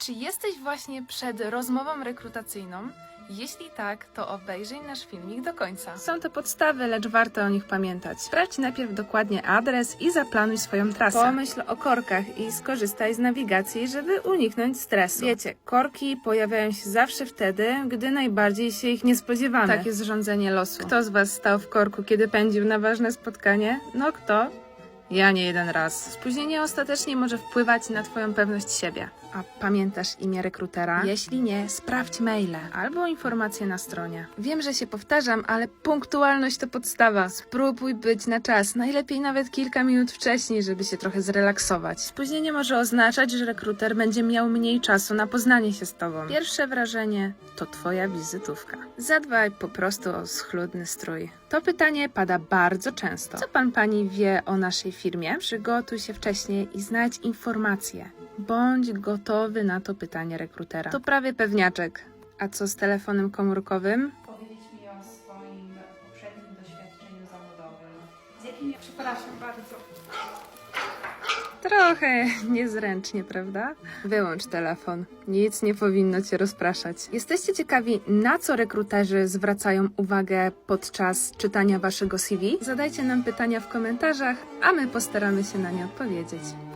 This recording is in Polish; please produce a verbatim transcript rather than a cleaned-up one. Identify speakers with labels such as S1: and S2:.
S1: Czy jesteś właśnie przed rozmową rekrutacyjną? Jeśli tak, to obejrzyj nasz filmik do końca.
S2: Są to podstawy, lecz warto o nich pamiętać. Sprawdź najpierw dokładnie adres i zaplanuj swoją trasę. Pomyśl o korkach i skorzystaj z nawigacji, żeby uniknąć stresu. Wiecie, korki pojawiają się zawsze wtedy, gdy najbardziej się ich nie spodziewamy. Tak jest rządzenie losu. Kto z was stał w korku, kiedy pędził na ważne spotkanie? No kto? Ja nie jeden raz. Spóźnienie ostatecznie może wpływać na twoją pewność siebie. A pamiętasz imię rekrutera? Jeśli nie, sprawdź maile albo informacje na stronie. Wiem, że się powtarzam, ale punktualność to podstawa. Spróbuj być na czas, najlepiej nawet kilka minut wcześniej, żeby się trochę zrelaksować. Spóźnienie może oznaczać, że rekruter będzie miał mniej czasu na poznanie się z tobą. Pierwsze wrażenie to twoja wizytówka. Zadbaj po prostu o schludny strój. To pytanie pada bardzo często. Co pan pani wie o naszej firmie? Przygotuj się wcześniej i znajdź informacje. Bądź gotowy na to pytanie rekrutera. To prawie pewniaczek. A co z telefonem komórkowym?
S3: Powiedzieć mi o swoim poprzednim doświadczeniu zawodowym. Z jakim... Przepraszam bardzo.
S2: Trochę niezręcznie, prawda? Wyłącz telefon. Nic nie powinno cię rozpraszać. Jesteście ciekawi, na co rekruterzy zwracają uwagę podczas czytania waszego C V? Zadajcie nam pytania w komentarzach, a my postaramy się na nie odpowiedzieć.